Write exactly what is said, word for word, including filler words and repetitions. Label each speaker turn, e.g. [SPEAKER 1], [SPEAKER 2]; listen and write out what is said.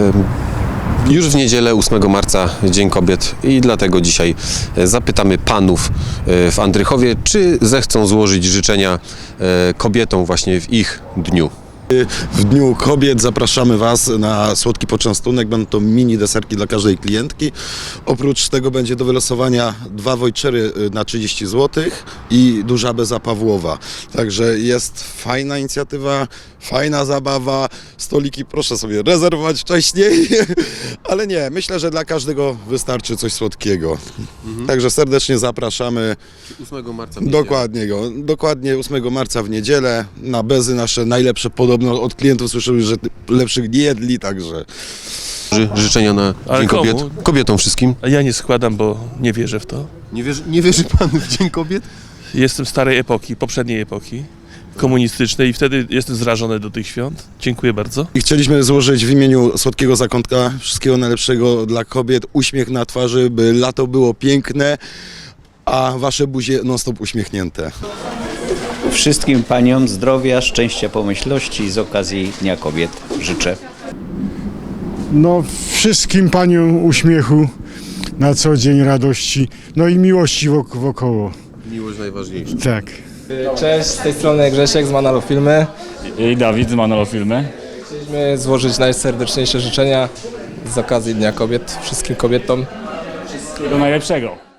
[SPEAKER 1] Już w niedzielę ósmego marca Dzień Kobiet i dlatego dzisiaj zapytamy panów w Andrychowie, czy zechcą złożyć życzenia kobietom właśnie w ich dniu.
[SPEAKER 2] W Dniu Kobiet zapraszamy Was na słodki poczęstunek. Będą to mini deserki dla każdej klientki. Oprócz tego będzie do wylosowania dwa vouchery na trzydzieści złotych i duża beza Pawłowa. Także jest fajna inicjatywa, fajna zabawa. Stoliki proszę sobie rezerwować wcześniej, ale nie, myślę, że dla każdego wystarczy coś słodkiego. Mhm. Także serdecznie zapraszamy.
[SPEAKER 1] ósmego marca w niedzielę.
[SPEAKER 2] Dokładnie, go, dokładnie ósmego marca w niedzielę na bezy nasze najlepsze, podobno od klientów słyszymy, że lepszych nie jedli, także.
[SPEAKER 1] Ży- Życzenia na
[SPEAKER 3] Ale
[SPEAKER 1] Dzień
[SPEAKER 3] komu?
[SPEAKER 1] Kobiet. Kobietom wszystkim.
[SPEAKER 3] A ja nie składam, bo nie wierzę w to.
[SPEAKER 1] Nie wierzy, nie wierzy pan w Dzień Kobiet?
[SPEAKER 3] Jestem starej epoki, poprzedniej epoki komunistycznej i wtedy jestem zrażony do tych świąt. Dziękuję bardzo.
[SPEAKER 2] I chcieliśmy złożyć w imieniu Słodkiego Zakątka wszystkiego najlepszego dla kobiet, uśmiech na twarzy, by lato było piękne, a wasze buzie non-stop uśmiechnięte.
[SPEAKER 4] Wszystkim paniom zdrowia, szczęścia, pomyślności z okazji Dnia Kobiet życzę.
[SPEAKER 5] No, wszystkim paniom uśmiechu na co dzień, radości, no i miłości wok- wokoło.
[SPEAKER 1] Miłość najważniejsza.
[SPEAKER 5] Tak.
[SPEAKER 6] Cześć, z tej strony Grzesiek z Manalo Filmy.
[SPEAKER 7] I Dawid z Manolo Filmy.
[SPEAKER 6] Chcieliśmy złożyć najserdeczniejsze życzenia z okazji Dnia Kobiet wszystkim kobietom.
[SPEAKER 7] Wszystkiego najlepszego.